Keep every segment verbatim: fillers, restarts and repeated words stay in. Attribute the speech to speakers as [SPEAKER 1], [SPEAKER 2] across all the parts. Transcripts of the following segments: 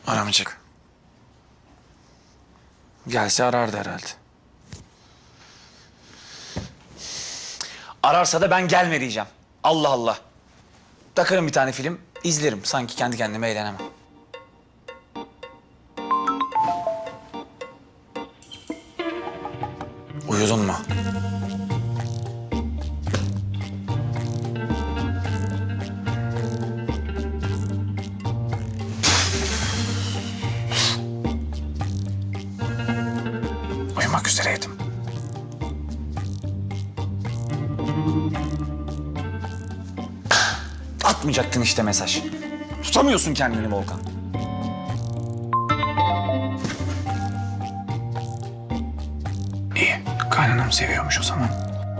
[SPEAKER 1] Aramayacak. Gelse arardı herhalde. Ararsa da ben gelme diyeceğim. Allah Allah. Takarım bir tane film, izlerim. Sanki kendi kendime eğlenemem. Uyudun mu? Uyumak üzereydim. Atmayacaktın işte mesaj. Tutamıyorsun kendini Volkan. İyi, kaynanam seviyormuş o zaman.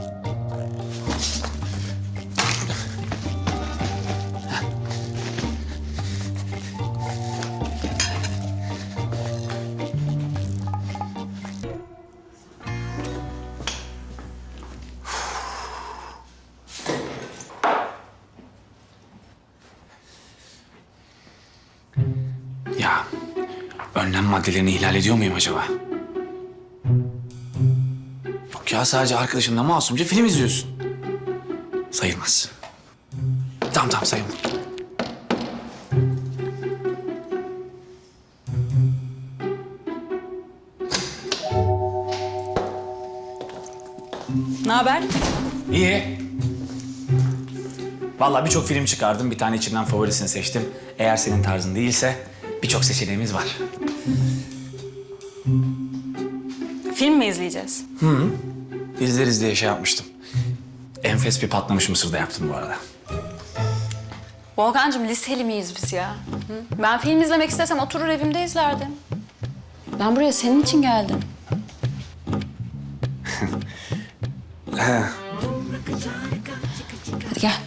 [SPEAKER 1] Ya, önlem maddelerini ihlal ediyor muyum acaba? Yok ya, sadece arkadaşınla masumca film izliyorsun. Sayılmaz. Tamam tamam, sayılmaz.
[SPEAKER 2] Ne haber?
[SPEAKER 1] İyi. Vallahi birçok film çıkardım. Bir tane içinden favorisini seçtim. Eğer senin tarzın değilse birçok seçeneğimiz var.
[SPEAKER 2] Film mi izleyeceğiz?
[SPEAKER 1] İzleriz diye şey yapmıştım. Enfes bir patlamış mısır da yaptım bu arada.
[SPEAKER 2] Volkan'cığım liseli miyiz biz ya? Hı? Ben film izlemek istesem oturur evimde izlerdim. Ben buraya senin için geldim. Hadi gel.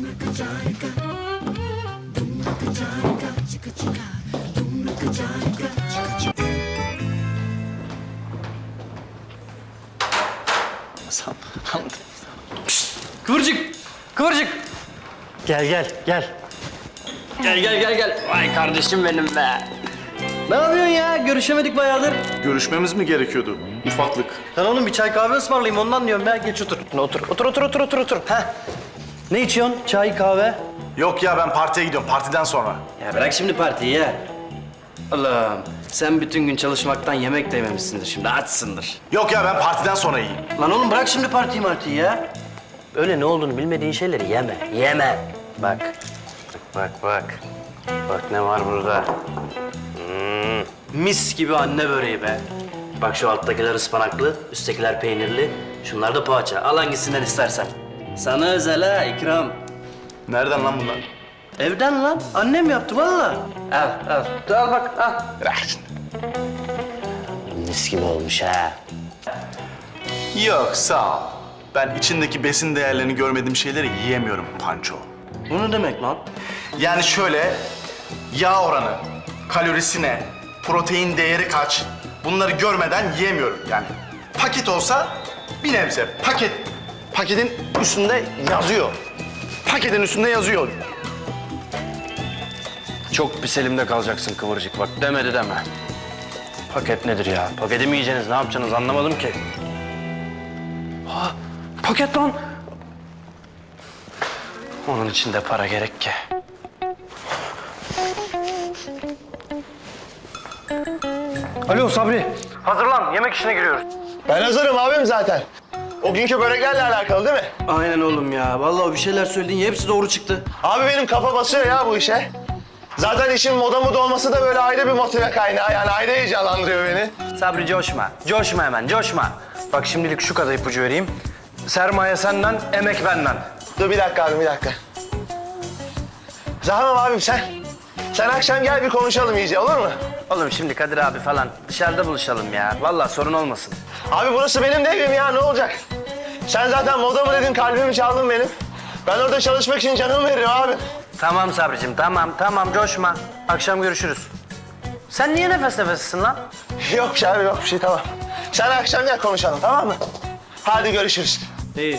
[SPEAKER 3] Kıvırcık! Kıvırcık! Gel gel gel. Gel gel gel gel. Vay kardeşim benim be. Ne yapıyorsun ya? Görüşemedik bayağıdır.
[SPEAKER 4] Görüşmemiz mi gerekiyordu? Ufaklık.
[SPEAKER 3] Lan oğlum bir çay kahve ısmarlayayım ondan diyorum ya. Geç otur. Otur otur otur otur otur otur. Heh. Ne içiyorsun? Çay, kahve?
[SPEAKER 4] Yok ya, ben partiye gidiyorum. Partiden sonra.
[SPEAKER 3] Ya bırak şimdi partiyi ya. Allah'ım sen bütün gün çalışmaktan yemek de yememişsindir şimdi. Açsındır.
[SPEAKER 4] Yok ya, ben partiden sonra yiyeyim.
[SPEAKER 3] Lan oğlum bırak şimdi partiyi martiyi ya. Öyle ne olduğunu bilmediğin şeyleri yeme. Yeme. Bak. Bak bak. Bak ne var burada. Hmm, mis gibi anne böreği be. Bak şu alttakiler ıspanaklı, üsttekiler peynirli. Şunlar da poğaça. Al hangisinden istersen. Sana özel ha ikram.
[SPEAKER 4] Nereden lan bunlar?
[SPEAKER 3] Evden lan. Annem yaptı vallahi. Al al. Dur, al bak al.
[SPEAKER 4] Bırak şimdi.
[SPEAKER 3] Mis gibi olmuş ha.
[SPEAKER 4] Yok, sağ ol. Ben içindeki besin değerlerini görmediğim şeyleri yiyemiyorum Panço.
[SPEAKER 3] Bu ne demek lan?
[SPEAKER 4] Yani şöyle, yağ oranı, kalorisi ne, protein değeri kaç, bunları görmeden yiyemiyorum yani. Paket olsa bir nebze, paket, paketin üstünde yazıyor. Paketin üstünde yazıyor.
[SPEAKER 3] Çok pis elimde kalacaksın Kıvırcık bak demedi deme. Paket nedir ya? Paketi mi yiyeceksiniz? Ne yapacaksınız? Anlamadım ki. Ha, paket lan. Onun için de para gerek ki. Alo Sabri. Hazırlan. Yemek işine giriyoruz.
[SPEAKER 5] Ben hazırım abim zaten. O günkü böreklerle alakalı değil mi?
[SPEAKER 3] Aynen oğlum ya. Vallahi bir şeyler söyledin. Hepsi doğru çıktı.
[SPEAKER 5] Abi benim kafa basıyor ya bu işe. Zaten işin moda moda olması da böyle ayrı bir motive kaynağı. Yani ayrı heyecanlandırıyor beni.
[SPEAKER 3] Sabri coşma. Coşma hemen. Coşma. Bak şimdilik şu kadar ipucu vereyim. Sermaye senden, emek benden.
[SPEAKER 5] Dur bir dakika abi bir dakika. Tamam abim sen. Sen akşam gel bir konuşalım iyice olur mu?
[SPEAKER 3] Oğlum şimdi Kadir abi falan dışarıda buluşalım ya. Vallahi sorun olmasın.
[SPEAKER 5] Abi burası benim de evim ya ne olacak? Sen zaten moda mı dedin kalbimi çaldın benim. Ben orada çalışmak için canımı veririm abi.
[SPEAKER 3] Tamam Sabricim tamam tamam coşma. Akşam görüşürüz. Sen niye nefes nefessin lan?
[SPEAKER 5] Yok bir şey abi yok bir şey tamam. Sen akşam gel konuşalım tamam mı? Hadi görüşürüz.
[SPEAKER 3] İyi.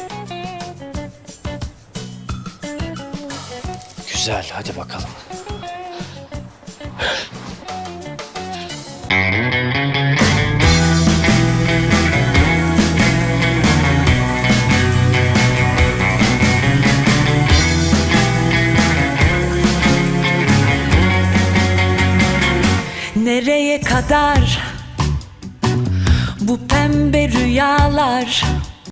[SPEAKER 3] Güzel hadi bakalım.
[SPEAKER 6] Nereye kadar bu pembe rüyalar?